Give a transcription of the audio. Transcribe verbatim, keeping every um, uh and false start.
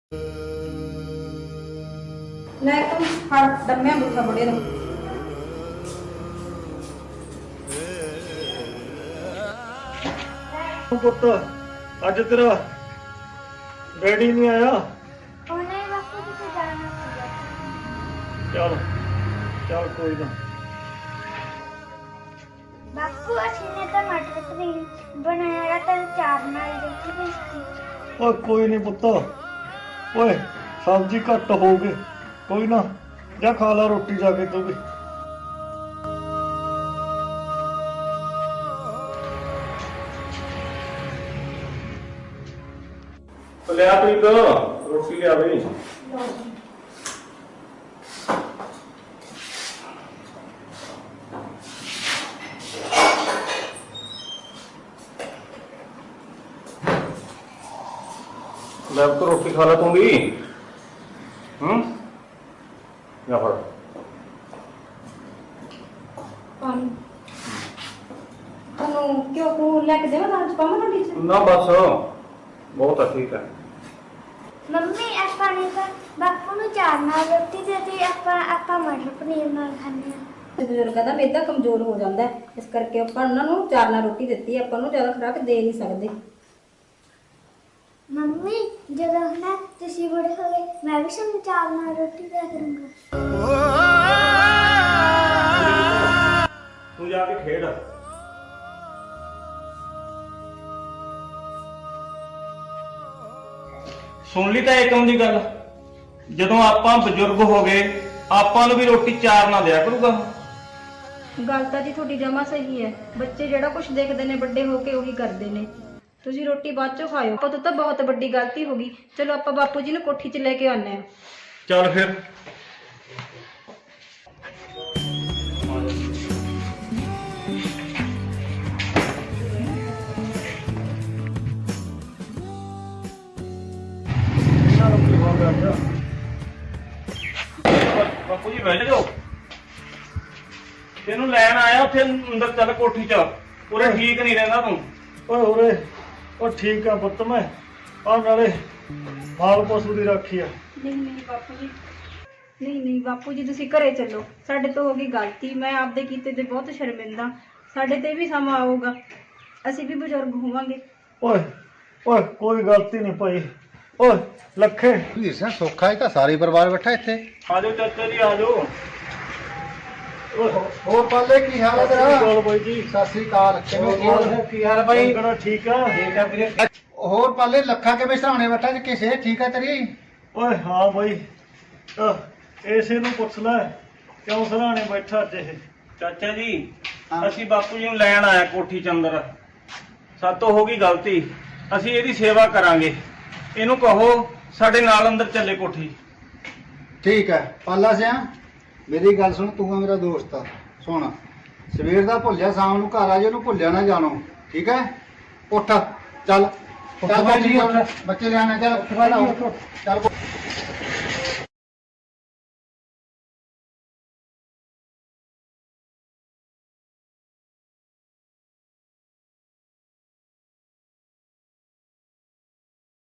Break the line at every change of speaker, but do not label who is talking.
ਲੈ ਤੂੰ ਫੜ ਦਮਿਆ ਬੁੱਖਾ ਬੜੇ ਨੂੰ।
ਪੁੱਤ ਅੱਜ ਤੇਰਾ ਡੈਡੀ ਨਹੀਂ ਆਇਆ।
ਉਹਨੇ ਬਾਪੂ ਕਿਤੇ ਜਾਣਾ ਸੀਗਾ।
ਚੱਲ ਚੱਲ ਕੋਈ ਨਾ।
ਬਾਪੂ ਅਸੀਂ ਨੇ ਤਾਂ ਮਟਰ ਪਨੀਰ ਬਣਾਇਆ ਤਾਂ ਚਾਰ ਨਾਲ ਰੋਟੀ ਭੇਜਤੀ।
ਓਏ ਕੋਈ ਨਹੀਂ ਪੁੱਤ, ਓਏ ਸਬਜ਼ੀ ਘੱਟ ਹੋ ਗਈ, ਕੋਈ ਨਾ ਜਾ ਖਾ ਲਾ ਰੋਟੀ ਜਾ ਕੇ ਤੂੰ ਵੀ।
ਲਿਆ ਪ੍ਰੀਤ ਰੋਟੀ ਲਿਆ ਬਈ। ਲੈ ਤੋ ਰੋਟੀ ਖਾ ਲਾ ਤੂੰ ਵੀ। ਹੂੰ ਜਾ ਫੜ
ਪਾਣੀ ਤੈਨੂੰ ਕਿਉਂ ਤੂੰ ਲੈ ਕੇ ਦੇਵਾਂ ਤਾਂ ਪਾਵਾਂ ਰੋਟੀ ਚ?
ਨਾ ਬਸ ਬਹੁਤ ਆ, ਠੀਕ ਹੈ।
ਮੰਮੀ ਆਪਾਂ ਨੇ ਤਾਂ ਬਾਪੂ ਨੂੰ ਚਾਰ ਨਾਲ ਰੋਟੀ ਦੇਤੀ, ਆਪਾਂ ਆਪਾਂ ਮਟਰ ਪਨੀਰ ਨਾਲ ਖਾਂਦੇ ਹਾਂ।
ਬਜ਼ੁਰਗਾਂ ਦਾ ਮਿਹਦਾ ਕਮਜ਼ੋਰ ਹੋ ਜਾਂਦਾ ਹੈ, ਇਸ ਕਰਕੇ ਆਪਾਂ ਉਹਨਾਂ ਨੂੰ ਚਾਰ ਨਾਲ ਰੋਟੀ ਦਿੱਤੀ ਹੈ, ਆਪਾਂ ਨੂੰ ਜ਼ਿਆਦਾ ਖੁਰਾਕ ਦੇ ਨਹੀਂ ਸਕਦੇ।
ਮੰਮੀ ਜਦੋਂ ਨਾ ਤੁਸੀਂ ਬੜੇ ਹੋ ਗਏ ਮੈਂ ਵੀ ਸਾਨੂੰ ਚਾਰ ਨਾਲ ਰੋਟੀ ਦਿਆ ਕਰੂੰਗਾ।
ਤੂੰ ਜਾ ਕੇ ਖੇਡ। ਸੁਣ ਲਈ ਤਾਂ ਏਕਮ ਦੀ ਗੱਲ, ਜਦੋਂ ਆਪਾਂ ਬਜ਼ੁਰਗ ਹੋ ਗਏ ਆਪਾਂ ਨੂੰ ਵੀ ਰੋਟੀ ਚਾਰ ਨਾ ਦਿਆ ਕਰੂਗਾ।
ਗੱਲ ਤਾਂ ਜੀ ਤੁਹਾਡੀ ਜਮਾ ਸਹੀ ਹੈ, ਬੱਚੇ ਜਿਹੜਾ ਕੁਝ ਦੇਖਦੇ ਨੇ ਵੱਡੇ ਹੋ ਕੇ ਉਹੀ ਕਰਦੇ ਨੇ। ਤੁਸੀਂ ਰੋਟੀ ਬਾਅਦ ਚੋਂ ਖਾਇਓ, ਆਪਾਂ ਤੋਂ ਤਾਂ ਬਹੁਤ ਵੱਡੀ ਗਲਤੀ ਹੋ ਗਈ। ਚਲੋ ਆਪਾਂ ਬਾਪੂ ਜੀ ਨੂੰ ਕੋਠੀ 'ਚ ਲੈ ਕੇ ਆਉਂਦੇ ਹਾਂ।
ਚੱਲ ਫਿਰ।
ਇਹਨਾਂ ਨੂੰ ਕੀ ਹੋ ਗਿਆ ਅੱਜ?
ਬਾਪੂ ਜੀ ਬੈਠ ਜਾਓ, ਤੈਨੂੰ ਲੈਣ ਆਇਆ ਉੱਥੇ ਅੰਦਰ। ਚੱਲ ਕੋਠੀ 'ਚ, ਉਰੇ ਠੀਕ ਨਹੀਂ ਰਹਿੰਦਾ ਤੂੰ।
ਓਏ ਉਰੇ ਉਹ ਠੀਕ ਆ ਪੁੱਤ, ਮੈਂ ਆ ਨਾਲੇ ਮਾਲ ਪਸ਼ੂ ਦੀ ਰਾਖੀ ਆ।
ਨਹੀਂ ਨਹੀਂ ਬਾਪੂ ਜੀ, ਨਹੀਂ ਨਹੀਂ ਬਾਪੂ ਜੀ ਤੁਸੀਂ ਘਰੇ ਚੱਲੋ, ਸਾਡੇ ਤੋਂ ਹੋ ਗਈ ਗਲਤੀ। ਮੈਂ ਆਪਦੇ ਕੀਤੇ ਤੇ ਬਹੁਤ ਸ਼ਰਮਿੰਦਾ। ਸਾਡੇ ਤੇ ਵੀ ਸਮਾਂ ਆਊਗਾ, ਅਸੀਂ ਵੀ ਬਜ਼ੁਰਗ ਹੋਵਾਂਗੇ।
ਓਏ ਓਏ ਕੋਈ ਗਲਤੀ ਨਹੀਂ ਭਾਈ। ਓਏ ਲੱਖੇ
ਵੀਰ ਸਿੰਘ ਸੌਖਾ ਹੈ ਤਾਂ ਸਾਰੇ ਪਰਿਵਾਰ ਬੈਠਾ ਇੱਥੇ।
ਆ ਜਾਓ ਚਾਚਾ ਜੀ, ਆ ਜਾਓ।
ਓਏ
ਹੋਰ ਪਾਲੇ ਕੀ ਹਾਲ ਹੈ
ਸਤਿ
ਤੇਰਾ?
ਸ਼੍ਰੀ ਅਕਾਲ ਬਾਈ ਜੀ।
ਸਤਿ ਸ੍ਰੀ ਅਕਾਲ, ਕਿਵੇਂ ਕੀ ਹਾਲ ਹੈ? ਕੀ ਹਾਲ ਹੈ ਬਾਈ?
ਕਿਹੜਾ ਠੀਕ ਆ?
ਠੀਕ ਹੈ ਵੀਰੇ। ਹੋਰ ਪਾਲੇ ਲੱਖਾ ਕਿਵੇਂ ਸਰਾਣੇ ਬੈਠਾ ਜੀ? ਕਿਸੇ ਠੀਕ ਹੈ ਤੇਰੀ?
ਓਏ ਹਾਂ ਬਾਈ, ਆਹ ਇਸੇ ਨੂੰ ਪੁੱਛ ਲੈ ਕਿਉਂ ਸਰਾਣੇ ਬੈਠਾ ਅੱਜ ਇਹ।
ਚਾਚਾ ਜੀ
ਹਾਂ।
ਅਸੀਂ ਬਾਪੂ ਜੀ ਨੂੰ ਲੈਣ ਆਇਆ ਕੋਠੀ ਚ ਅੰਦਰ। ਸਾਤੋਂ ਹੋ ਗਈ ਗਲਤੀ, ਅਸੀਂ ਇਹਦੀ ਸੇਵਾ ਕਰਾਂਗੇ। ਇਹਨੂੰ ਕਹੋ ਸਾਡੇ ਨਾਲ ਅੰਦਰ ਚੱਲੇ ਕੋਠੀ।
ਠੀਕ ਹੈ ਪਾਲਾ ਸਿਆ, ਮੇਰੀ ਗੱਲ ਸੁਣ, ਤੂੰ ਆ ਮੇਰਾ ਦੋਸਤ ਆ। ਸੁਣ, ਸਵੇਰ ਦਾ ਭੁੱਲਿਆ ਸ਼ਾਮ ਨੂੰ ਘਰ ਆ ਜੇ, ਉਹਨੂੰ ਭੁੱਲਿਆ ਨਾ ਜਾਣੋ, ਠੀਕ ਹੈ? ਉੱਠ ਚੱਲ ਚੱਲ
ਬਾਈ ਜੀ,
ਬੱਚੇ ਬੱਚੇ ਲਿਆਣਾ, ਚੱਲ ਚੱਲ